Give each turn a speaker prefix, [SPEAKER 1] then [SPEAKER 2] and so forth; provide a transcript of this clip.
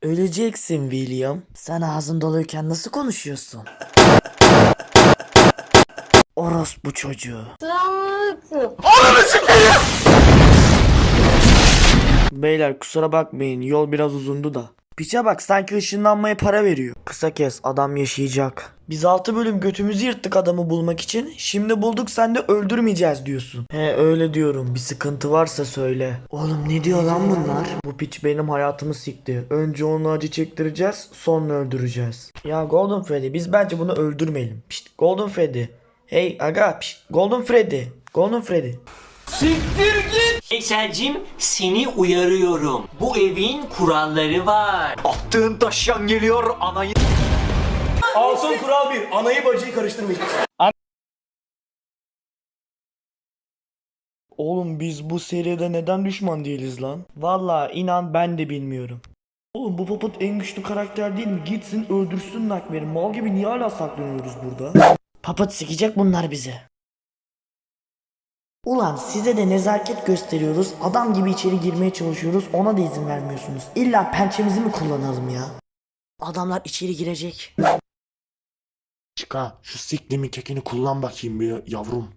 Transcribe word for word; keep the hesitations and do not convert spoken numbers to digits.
[SPEAKER 1] Öleceksin William. Sen ağzın doluyken nasıl konuşuyorsun? Orospu çocuğu. Beyler kusura bakmayın, yol biraz uzundu da. Piçe bak, sanki ışınlanmaya para veriyor. Kısa kes, adam yaşayacak. Biz altı bölüm götümüzü yırttık adamı bulmak için. Şimdi bulduk, sen de öldürmeyeceğiz diyorsun. He öyle diyorum, bir sıkıntı varsa söyle. Oğlum ne diyor lan bunlar? Bu piç benim hayatımı sikti. Önce onu acı çektireceğiz, sonra öldüreceğiz. Ya Golden Freddy, biz bence bunu öldürmeyelim. Pişt, Golden Freddy. Hey aga, pişt, Golden Freddy. Golden Freddy.
[SPEAKER 2] Siktir git! Veyselcim, seni uyarıyorum. Bu evin kuralları var.
[SPEAKER 3] Attığın taşyan geliyor anayı.
[SPEAKER 4] Alson kural bir. Anayı bacıyı karıştırmayacaksın.
[SPEAKER 1] Oğlum biz bu seride neden düşman değiliz lan? Vallahi inan ben de bilmiyorum. Oğlum bu Puppet en güçlü karakter değil mi? Gitsin öldürsün Nightmare'i. Mal gibi niye hala saklanıyoruz burada? Puppet sikecek bunlar bize. Ulan size de nezaket gösteriyoruz. Adam gibi içeri girmeye çalışıyoruz. Ona da izin vermiyorsunuz. İlla pençemizi mi kullanalım ya? Adamlar içeri girecek.
[SPEAKER 4] Çıka şu siklimin kekini kullan bakayım bir yavrum.